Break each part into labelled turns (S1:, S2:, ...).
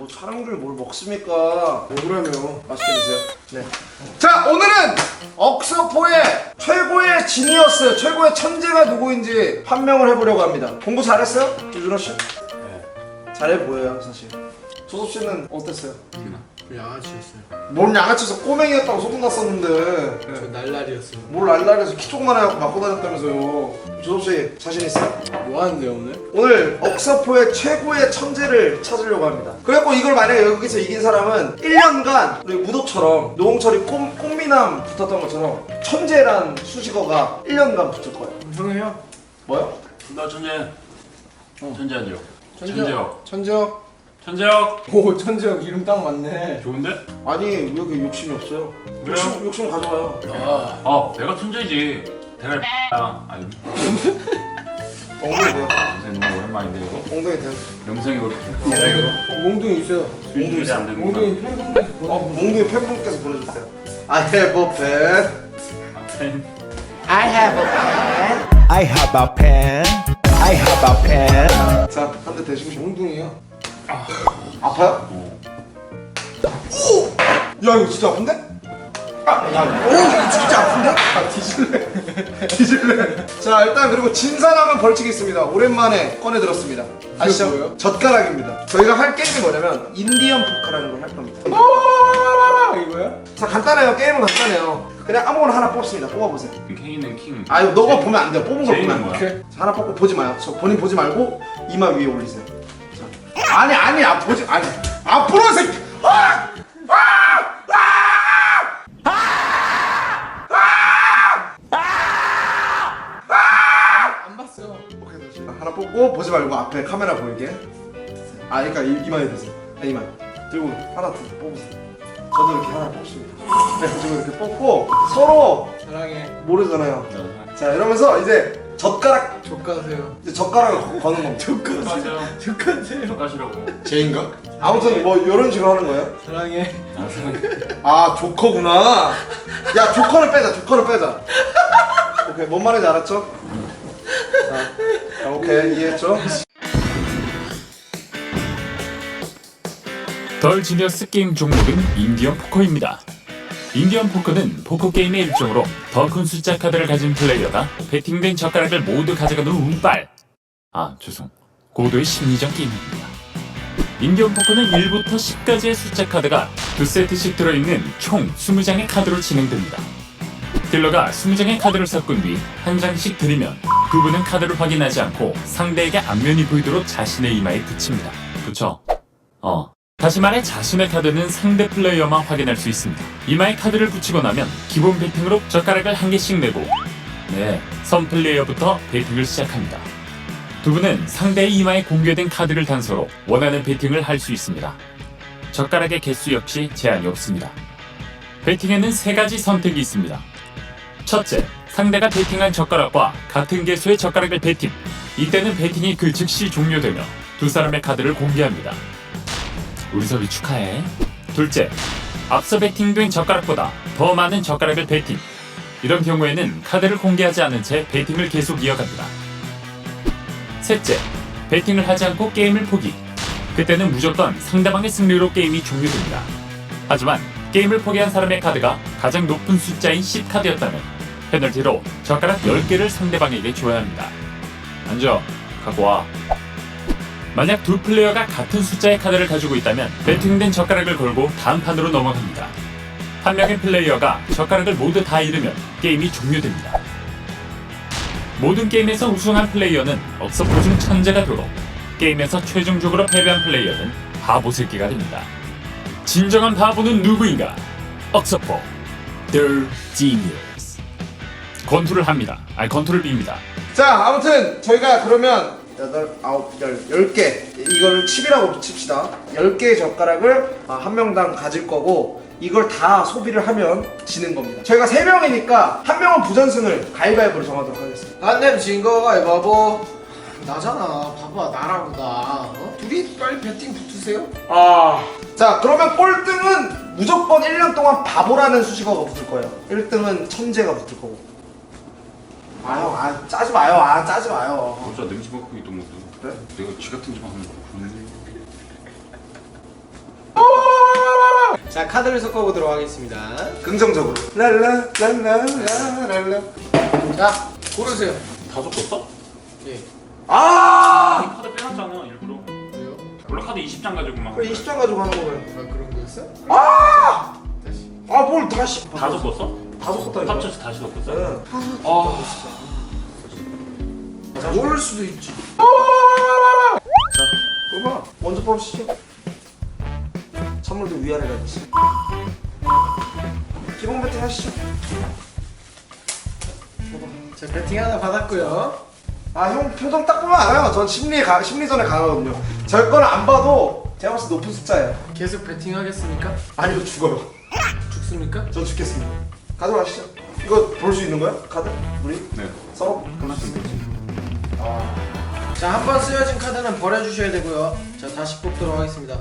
S1: 뭐 촬영 중에 뭘 먹습니까? 먹으라며. 맛있게 드세요. 네. 자, 오늘은 억서포의 최고의 지니어스, 최고의 천재가 누구인지 판명을 해보려고 합니다. 공부 잘했어요? 유준호 씨?
S2: 네.
S1: 잘해 보여요, 사실. 조섭 씨는 어땠어요?
S3: 양아치였어요.
S1: 뭔 양아치에서 꼬맹이였다고 소문났었는데.
S3: 저 날라리였어요.
S1: 뭘 날라리에서 키 조그만 해갖고 맞고 다녔다면서요. 조섭 씨 자신 있어요?
S3: 뭐 하는데 오늘?
S1: 오늘 억서포의 최고의 천재를 찾으려고 합니다. 그래갖고 이걸 만약에 여기서 이긴 사람은 1년간 우리 무도처럼 노홍철이 꽃미남 붙었던 것처럼 천재란 수식어가 1년간 붙을 거예요.
S3: 형이요?
S1: 뭐요?
S2: 나 천재. 천재한지요.
S3: 천재혁. 천재혁.
S2: 천재혁.
S3: 오 천재혁 이름 딱 맞네.
S2: 좋은데?
S1: 아니 왜 이렇게 욕심이 없어요?
S2: 왜요?
S1: 욕심 가져와요.
S2: 내가 천재지. 대가리 X야. 아니,
S1: 엉덩이 돼요.
S2: 영생 너무 오랜만인데 이거.
S1: 엉덩이 돼요.
S2: 영생이 그렇게.
S3: 몽둥이 있어요.
S2: 몽둥이 안 됩니다.
S3: 몽둥이 팬분께서
S1: 몽둥이 팬분께서 보내주세요. I have a pen.
S2: 팬.
S1: I have a pen.
S4: I have a pen. I have a pen.
S1: 자, 한 대 대시고
S3: 몽둥이요.
S1: 아파요? 오! 야 이거 진짜 아픈데? 오 이거 진짜 아픈데? 뒤질래 뒤질래. 자 일단 그리고 진 사람은 벌칙이 있습니다. 오랜만에 꺼내들었습니다. 아시죠?
S3: 뭐예요?
S1: 젓가락입니다. 저희가 할 게임이 뭐냐면 인디언 포커라는 걸 할 겁니다.
S3: 이거야?
S1: 자 간단해요. 게임은 간단해요. 그냥 아무거나 하나 뽑습니다. 뽑아보세요.
S2: K는 킹.
S1: 아유 너가 보면 안 돼요. 뽑은 걸 보면 안
S2: 제이는
S1: 돼요. 자, 하나 뽑고 보지 마요. 저 본인 보지 말고 이마 위에 올리세요. 자. 아니 보지 아니 앞으로 새끼.
S3: 안 봤어.
S1: 오케이 다시 하나 뽑고 보지 말고 앞에 카메라 보이게. 아 그러니까 이마에 대세요. 이마 들고 하나 더 뽑으세요. 저도 이렇게 하나 뽑습니다. 네, 저도 이렇게 뽑고 서로
S3: 사랑해.
S1: 모르잖아요. 자 이러면서 이제 젓가락
S3: 족가세요.
S1: 이제 젓가락을 거는 겁니다.
S2: 젓가세요.
S3: 족가세요.
S2: 젓가시라고.
S1: 제인가? 아무튼 뭐 이런 식으로 하는 거예요.
S3: 사랑해.
S1: 아 조커구나. 야 조커를 빼자. 오케이 뭔 말인지 알았죠? 자 오케이 이해했죠?
S5: 덜 지니어스 게임 종목은 인디언 포커입니다. 인디언 포커는 포커 게임의 일종으로 더 큰 숫자 카드를 가진 플레이어가 배팅된 젓가락을 모두 가져가는 운빨. 고도의 심리전 게임입니다. 인디언 포커는 1부터 10까지의 숫자 카드가 2세트씩 들어있는 총 20장의 카드로 진행됩니다. 딜러가 20장의 카드를 섞은 뒤 한 장씩 들이면 그분은 카드를 확인하지 않고 상대에게 앞면이 보이도록 자신의 이마에 붙입니다. 그쵸? 다시 말해 자신의 카드는 상대 플레이어만 확인할 수 있습니다. 이마에 카드를 붙이고 나면 기본 배팅으로 젓가락을 한 개씩 내고 선 플레이어부터 배팅을 시작합니다. 두 분은 상대의 이마에 공개된 카드를 단서로 원하는 배팅을 할 수 있습니다. 젓가락의 개수 역시 제한이 없습니다. 배팅에는 3가지 선택이 있습니다. 첫째, 상대가 배팅한 젓가락과 같은 개수의 젓가락을 배팅. 이때는 배팅이 그 즉시 종료되며 두 사람의 카드를 공개합니다. 우리 섭이 축하해. 둘째, 앞서 배팅된 젓가락보다 더 많은 젓가락을 배팅. 이런 경우에는 카드를 공개하지 않은 채 배팅을 계속 이어갑니다. 셋째, 배팅을 하지 않고 게임을 포기. 그때는 무조건 상대방의 승리로 게임이 종료됩니다. 하지만 게임을 포기한 사람의 카드가 가장 높은 숫자인 10카드였다면 페널티로 젓가락 10개를 상대방에게 줘야 합니다. 앉아, 갖고 와. 만약 두 플레이어가 같은 숫자의 카드를 가지고 있다면 배팅된 젓가락을 걸고 다음 판으로 넘어갑니다. 한 명의 플레이어가 젓가락을 모두 다 잃으면 게임이 종료됩니다. 모든 게임에서 우승한 플레이어는 억서포 중 천재가 되고 게임에서 최종적으로 패배한 플레이어는 바보 새끼가 됩니다. 진정한 바보는 누구인가? 억서포 The Genius. 권투를 합니다. 권투를 빕니다.
S1: 자 아무튼 저희가 그러면 8, 9, 10개 이걸 칩이라고 칩시다. 10개의 젓가락을 한 명당 가질 거고 이걸 다 소비를 하면 지는 겁니다. 저희가 3명이니까 한 명은 부전승을 가위바위보로 정하도록 하겠습니다.
S3: 안 내면 진 거 가위바위보. 나잖아. 봐봐 나라고 나. 둘이 빨리 배팅 붙으세요.
S1: 자 그러면 꼴등은 무조건 1년 동안 바보라는 수식어가 붙을 거예요. 1등은 천재가 붙을 거고. 짜지 마요. 짜지 마요.
S2: 진짜 냄새 맡고 있던 것도.
S1: 그래?
S2: 내가 쥐 같은 짓 하면
S3: 자, 카드를 섞어보도록 하겠습니다.
S1: 긍정적으로. 랄라.
S3: 자, 고르세요.
S2: 다 섞었어?
S3: 예.
S1: 아!
S2: 카드 빼놨잖아 일부러.
S3: 왜요?
S2: 원래 카드 20장 가지고만.
S1: 그래 20장 가지고 하는 거면.
S3: 아, 그런 거였어?
S1: 아!
S3: 다시.
S1: 아 뭘 다시.
S2: 다 섞었어?
S1: 다 섞었다니까.
S2: 합쳐서 다시 섞었어?
S1: 응.
S3: 자, 모를 수도 있지.
S1: 자, 뽑아. 먼저 뽑으시죠. 선물도 위아래가 있어. 기본 배팅 하시죠.
S3: 자, 배팅 하나 받았고요.
S1: 아, 형 표정 딱 보면 알아요. 전 심리전에 강하거든요. 저 거는 안 봐도 제가 봤을 때 높은 숫자예요.
S3: 계속 배팅 하겠습니까?
S1: 아니요, 죽어요.
S3: 죽습니까?
S1: 전 죽겠습니다. 가져가시죠. 이거 볼 수 있는 거야? 카드? 우리?
S2: 네.
S1: 썰어?
S2: 끝났으면 되지.
S3: 자, 한 번 쓰여진 카드는 버려주셔야 되고요. 자, 다시 뽑도록 하겠습니다.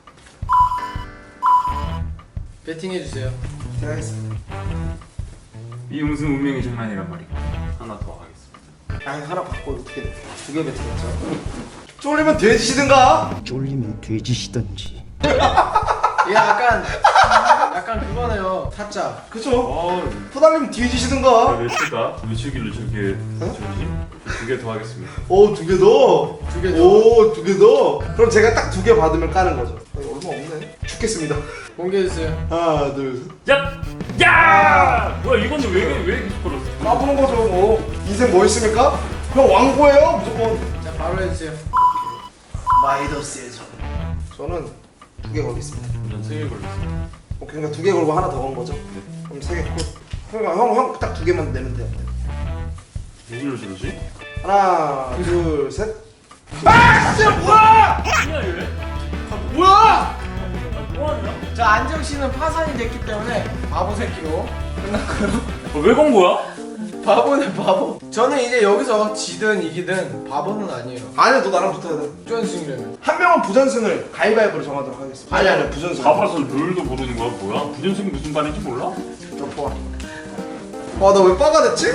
S3: 배팅해주세요.
S1: 제가 하겠습니다.
S2: 이 음승 운명의 장난이란 말이야. 하나 더 하겠습니다.
S1: 아니, 하나 바꿔. 어떻게 돼? 두 개 배팅했죠. 쫄리면 돼지시든가.
S4: 쫄리면 돼지시던지.
S3: 얘 약간 그거네요. 타짜.
S1: 그쵸? 후달리면 뒤지시든가.
S2: 몇 칠까? 며칠길래 저렇게 저지? 두 개 더 하겠습니다.
S1: 오, 두 개 더.
S3: 두 개 더.
S1: 오, 두 개 더. 그럼 제가 딱 두 개 받으면 까는 거죠. 아니, 얼마 없네. 죽겠습니다.
S3: 공개해주세요.
S1: 하나, 둘, 셋.
S2: 야! 야! 뭐야 이건 왜 계속 걸었어?
S1: 까보는 거죠, 뭐. 인생 뭐 있습니까? 그냥 왕고예요, 무조건.
S3: 자, 바로 해주세요.
S1: 마이더스의 전. 저는 두 개 걸겠습니다.
S2: 전 3개 걸렸어.
S1: 오케이, 그러니까 두 개 걸고 하나 더 건 거죠? 그럼 세 개 콜. 그러니까 형 딱 두 개만 내면 돼요.
S2: 누구를 저러지?
S1: 하나, 둘, 셋. 아, 진짜 뭐야!
S2: 뭐야 얘?
S1: 뭐야!
S2: 뭐하냐?
S3: 자, 안정씨는 파산이 됐기 때문에 바보 새끼로 끝났고요.
S2: 왜 건 거야?
S3: 바보네, 바보. 저는 이제 여기서 지든 이기든 바보는 아니에요.
S1: 아니야, 너 나랑 붙어야 돼.
S3: 쫀승이라면.
S1: 한 명은 부전승을 가위바위보로 정하도록 하겠습니다. 아니, 부전승.
S2: 가봐서 룰도 모르는 거야 뭐야? 부전승이 무슨 반인지 몰라?
S1: 너 보아. 와, 나 왜 빠가 됐지?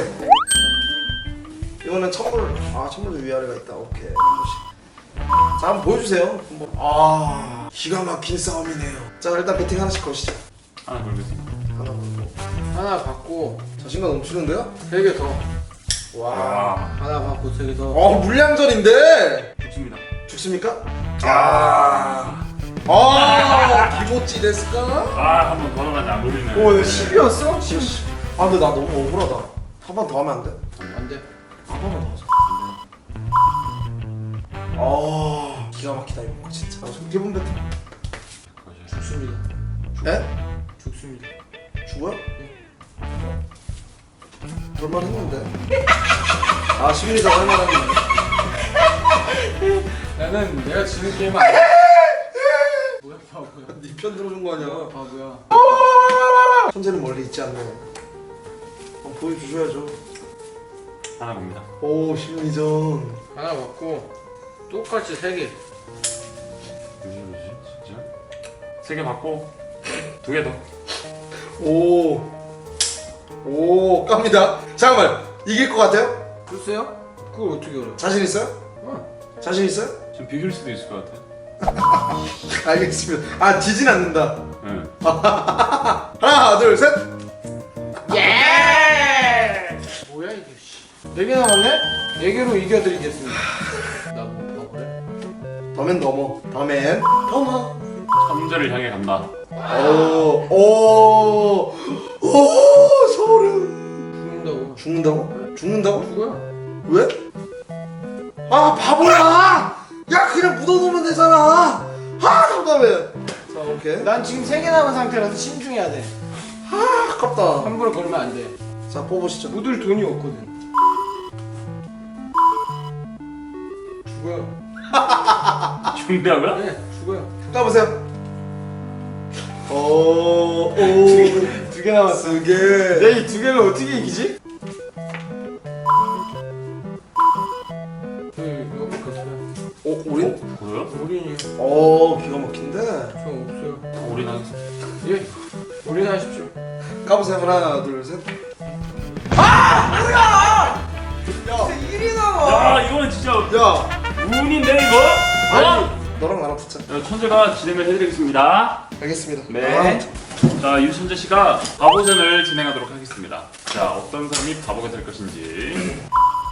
S1: 이거는 천물도 위아래가 있다. 오케이. 자, 한번 보여주세요. 한번. 기가 막힌 싸움이네요. 자, 일단 배팅 하나씩 거시죠.
S2: 하나 걸겠습니다.
S1: 하나 받고.
S3: 하나 받고
S1: 자신감 넘치는데요?
S3: 3개 더.
S2: 와.
S3: 하나 받고 3개 더.
S1: 물량전인데.
S2: 좋습니다.
S1: 죽습니까? 기모찌 데스까?
S2: 아, 한 번 더 넣으면 안 걸리네.
S1: 오, 10이었어? 10. 아, 근데 나 너무 억울하다. 한 번 더 하면 안 돼?
S3: 안 돼.
S1: 한 번만 더 하자. 기가 막히다 이거 진짜. 기본 배팅.
S3: 죽습니다.
S1: 에?
S3: 죽습니다.
S1: 죽어요? 볼만 했는데. 심리적 할만한데.
S3: 나는 내가 지는 게임 아니야. 뭐야, 바보야.
S1: 네 편 들어준 거 아니야?
S3: 바보야.
S1: 천재는 멀리 있지 않네. 한번 보여주셔야죠.
S2: 하나 겁니다.
S1: 오, 심리전.
S3: 하나 받고 똑같이 3개.
S2: 왜 저러지? 진짜? 3개 받고 2개 더.
S1: 오, 깝니다. 잠깐만, 이길 것 같아요?
S3: 글쎄요? 그걸 어떻게 알아?
S1: 자신 있어요? 자신 있어요?
S2: 좀 비길 수도 있을 것 같아.
S1: 알겠습니다. 지진 않는다.
S2: 네.
S1: 하나, 둘, 셋.
S3: 뭐야 이게? 4개 남았네? 4개로 이겨드리겠습니다. 나 뭐 바보래?
S1: 더맨 넘어. 더맨 넘어.
S2: 천재를 향해 간다.
S1: 오, 소름.
S3: 죽는다고?
S1: 죽는다고?
S3: 죽어요.
S1: 왜? 바보야! 야, 그냥 묻어놓으면 되잖아. 답답해. 자, 오케이.
S3: 난 지금 3개 남은 상태라서 신중해야 돼.
S1: 아깝다.
S3: 함부로 걸면 안 돼.
S1: 자, 뽑으시죠.
S3: 묻을 돈이 없거든. 죽어요.
S2: 죽는다고요?
S3: 네, 죽어요.
S1: 까보세요.
S3: 두 개 남았어.
S1: 2개.
S3: 내 이 2개를 어떻게 이기지? 이거 먹겠어요.
S1: 우린?
S2: 뭐야?
S3: 우린이요.
S1: 기가 막힌데.
S3: 저 없어요.
S2: 우리 나겠어.
S3: 예, 우린 하십시오.
S1: 까보세요. 하나, 둘, 셋.
S3: 일이 남아.
S2: 야, 이거는 진짜
S1: 야,
S2: 운인데 이거?
S1: 아니, 너랑 나랑 붙자.
S2: 천재가 진행을 해드리겠습니다.
S1: 알겠습니다.
S2: 네. 자, 유천재 씨가 바보전을 진행하도록 하겠습니다. 자, 어떤 사람이 바보가 될 것인지.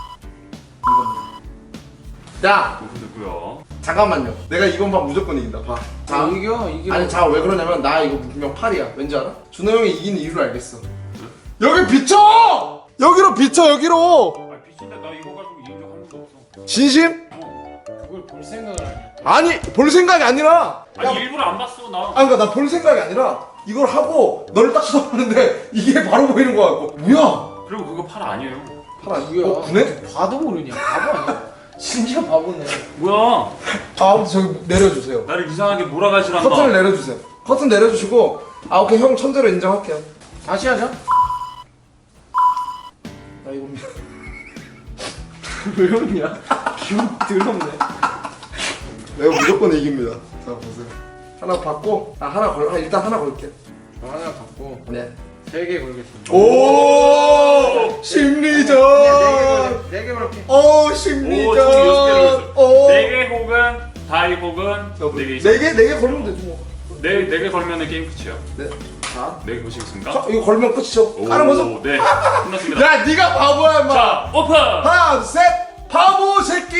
S1: 야
S2: 누구고요?
S1: 잠깐만요. 내가 이번 판 무조건 이긴다. 봐. 자
S3: 이겨.
S1: 아니 자 왜 그러냐면 나 이거 분명 8이야. 왠지 알아? 준호 형이 이기는 이유를 알겠어. 여기 비춰! 여기로 비춰 여기로.
S2: 아, 비친다. 나 이거 가지고 이긴 적 한 번도 없어.
S1: 진심?
S3: 그걸 볼 생각을 안 해.
S1: 아니 볼 생각이 아니라.
S2: 아니, 일부러 안 봤어, 나.
S1: 그러니까 나 볼 생각이 아니라 이걸 하고 너를 딱 쳐다보는데 이게 바로 보이는 거 같고. 뭐야?
S2: 그리고 그거 팔 아니에요.
S1: 팔 아니야?
S3: 누구야?
S1: 구네?
S3: 봐도 모르냐? 바보 아니야? 진짜 바보네.
S2: 뭐야?
S1: 아 아무튼 저기 내려주세요.
S2: 나를 이상하게 몰아가시란다.
S1: 커튼을 내려주세요. 커튼 내려주시고 아 오케이 형 천재로 인정할게요.
S3: 다시 하자.
S1: 아 이거 미안.
S3: 왜 웃냐? 기분 더럽네.
S1: 내가 무조건 이깁니다. 자 보세요. 하나 받고 하나 걸 일단 하나 걸게.
S3: 저 하나 갖고
S1: 네.
S3: 3개 걸겠습니다.
S1: 오 심리전.
S3: 4개 걸게.
S1: 오
S2: 오,
S1: 심리전.
S2: 총 6개로
S1: 오.
S2: 4개 혹은 다이 혹은 4개 있어.
S1: 4개 걸면 되지 뭐.
S2: 4개 걸면은 게임 끝이에요.
S1: 네. 자.
S2: 4개 보시겠습니까?
S1: 자 이거 걸면 끝이죠. 까는 거죠?
S2: 네. 끝났습니다.
S1: 야 네가 바보야 임마.
S2: 자, 오픈!
S1: 하나 둘 셋. 바보 새끼.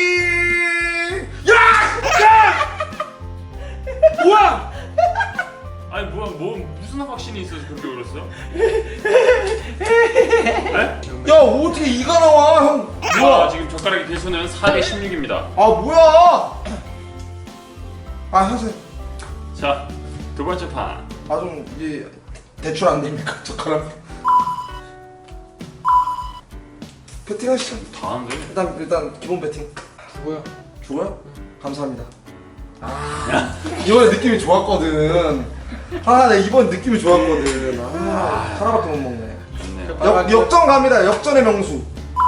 S1: 야! 뭐야?
S2: 아니, 무슨 확신이 있어서 그렇게 울었어?
S1: 야 어떻게 이가 나와 형?
S2: 뭐야? 지금 젓가락의 개수는 4대 16입니다.
S1: 아 뭐야? 아 하세요.
S2: 자, 두 번째 판.
S1: 아좀 이제 대출 안 됩니까 젓가락? 배팅 하시죠.
S2: 다 하는데?
S1: 일단 기본 배팅.
S3: 뭐야?
S1: 죽어요? 감사합니다. 아 이번에 느낌이 좋았거든. 아 내 이번 느낌이 좋았거든. 아 하나밖에 못 먹네.
S2: 좋네요.
S1: 역전 갑니다. 역전의 명수.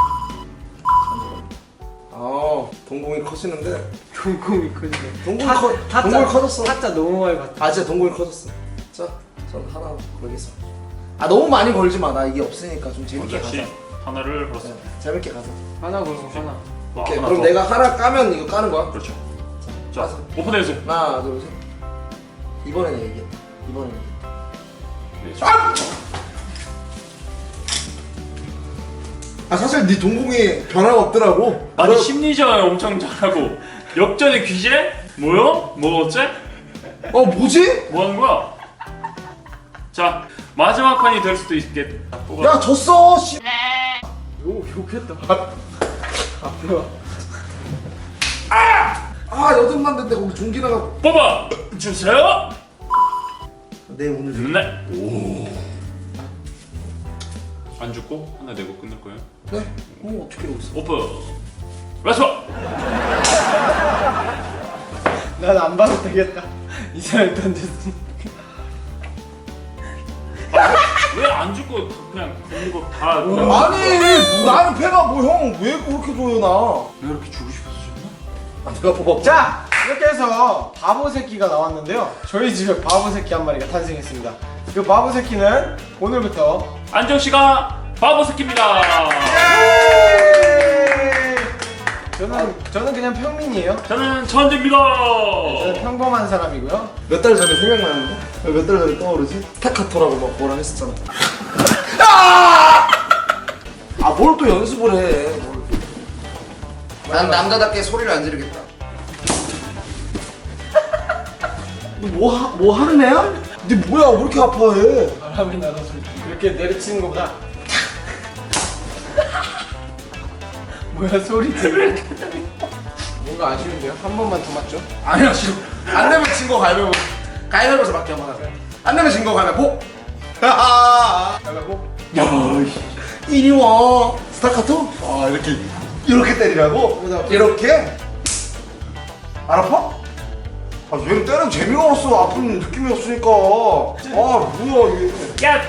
S1: 아 동공이 커지는데.
S3: 동공이 크네.
S1: 동공이 커졌어.
S3: 타짜 너무 많이 봤다.
S1: 아 진짜 동공이 커졌어. 자, 전 하나 걸겠습니다. 아 너무 많이 걸지 마. 나 이게 없으니까 좀 재밌게
S2: 원자 씨
S1: 가자.
S2: 하나를
S1: 네,
S2: 걸었습니다.
S1: 재밌게 가자.
S3: 하나 걸고 하나.
S1: 오케이.
S2: 하나
S1: 그럼
S2: 더.
S1: 내가 하나 까면 이거 까는 거야.
S2: 그렇죠. 자,
S1: 가자.
S2: 오픈해주세요.
S1: 하나, 둘, 셋. 이번에는 이겼다. 이번에는.
S2: 네,
S1: 아! 아 사실 네 동공이 변화가 없더라고.
S2: 아니,
S1: 너-
S2: 심리전 엄청 잘하고 역전의 귀재? 뭐요? 뭐 어째?
S1: 뭐지?
S2: 뭐 하는 거야? 자, 마지막 판이 될 수도 있겠다. 뽑아.
S1: 야 졌어. 씨.
S3: 욕했다.
S1: 아 여덟만 됐는데 거기 종기 나가.
S2: 뽑아 주세요.
S1: 네 오늘.
S2: 네. 오. 안 죽고 하나 내고 끝낼 거예요.
S1: 네. 어떻게 여기 있어?
S2: 오픈. 렛츠고.
S3: 난 안 봐도 되겠다. 이 사람이 던졌으니.
S2: 왜 안 죽고 그냥 걷는 거 다.
S1: 아니 나는 패가 뭐 형 왜 그렇게 줘요 나?
S2: 왜 이렇게 주고 싶어서 줬나?
S1: 아 내가 뽑아.
S3: 자, 이렇게 해서 바보 새끼가 나왔는데요. 저희 집에 바보 새끼 한 마리가 탄생했습니다. 그 바보 새끼는 오늘부터
S2: 안정 씨가 바보 새끼입니다.
S3: 저는 그냥 평민이에요.
S2: 저는 천재입니다.
S3: 저는 평범한 사람이고요.
S1: 몇 달 전에 생각나는데? 몇 달 전에 떠오르지? 스타카토라고 막 뭐라 했었잖아. 아 뭘 또 연습을 해? 난 남자답게 소리를 안 지르겠다. 뭐 하는 애야? 니 뭐야 왜 이렇게 아파해?
S3: 바람이 나서 이렇게 내리치는 것보다 뭐야 소리 들려. 뭔가 아쉬운데요? 한 번만 더 맞죠?
S1: 아니야 싫어. 안 내면 진 거 가위바위보. 가위바위보에서 맞게 한번 하자. 안 내면 진 거 가위바위보.
S3: 가위바위보.
S1: 야 이리 와. 스타카토? 아 이렇게 때리라고? 이렇게? 안 아파? 아 얘는 때리면 재미가 없어. 아픈 느낌이 없으니까. 아 뭐야 이게.
S2: 야,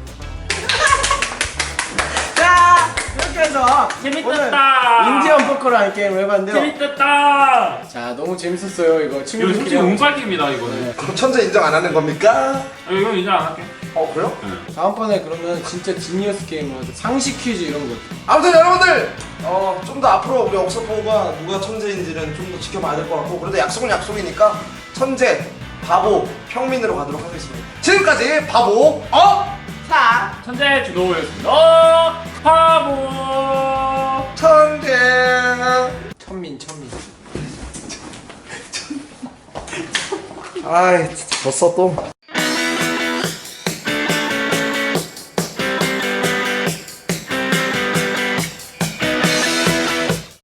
S3: 자, 이렇게 해서
S2: 재밌었다.
S3: 오늘 인디언 포커라는 게임을 해봤는데요.
S2: 재밌었다.
S3: 자, 너무 재밌었어요. 이거
S2: 이거
S3: 친구들끼리
S2: 솔직히
S3: 하고.
S2: 운빨기입니다 이거는.
S1: 그럼 천재 인정 안 하는 겁니까?
S2: 이건 인정 안 할게.
S1: 그래요?
S3: 다음번에 그러면 진짜 지니어스 게임을 하자. 상식 퀴즈 이런 거.
S1: 아무튼 여러분들 좀 더 앞으로 우리 억서포가 누가 천재인지는 좀 더 지켜봐야 될 것 같고 그래도 약속은 약속이니까 천재 바보 평민으로 가도록 하겠습니다. 지금까지 바보 사
S2: 천재 준호였습니다. 바보.
S1: 천재.
S3: 천민.
S1: 아이 진짜 졌어 또.